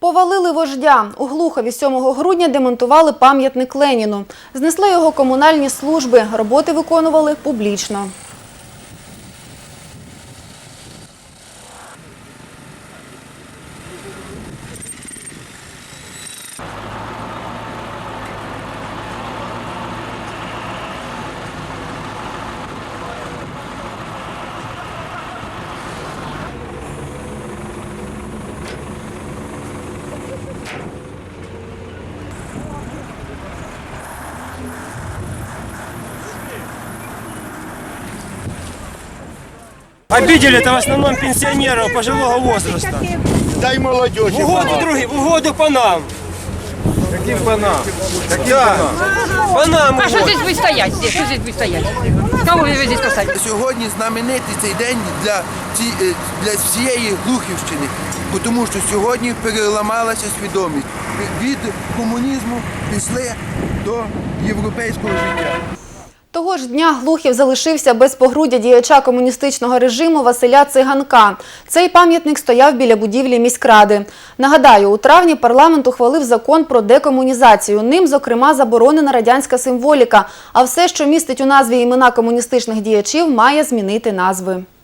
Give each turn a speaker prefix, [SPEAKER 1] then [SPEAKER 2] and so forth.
[SPEAKER 1] Повалили вождя. У Глухові 7 грудня демонтували пам'ятник Леніну. Знесли його комунальні служби. Роботи виконували публічно.
[SPEAKER 2] Обидели-то в основном пенсионеров пожилого возраста.
[SPEAKER 3] Дай молодежи.
[SPEAKER 2] В угоду по нам.
[SPEAKER 3] Каким панам?
[SPEAKER 2] По нам.
[SPEAKER 4] А что здесь будет стоять? Что здесь будет стоять? Кого вы здесь поставите?
[SPEAKER 5] Сьогодні знаменитий цей день для всієї Глухівщини, тому що сьогодні переламалася свідомість. Від комунізму пішли до європейського життя.
[SPEAKER 1] Того ж дня Глухів залишився без погруддя діяча комуністичного режиму Василя Циганка. Цей пам'ятник стояв біля будівлі міськради. Нагадаю, у травні парламент ухвалив закон про декомунізацію. Ним, зокрема, заборонена радянська символіка, а все, що містить у назві імена комуністичних діячів, має змінити назви.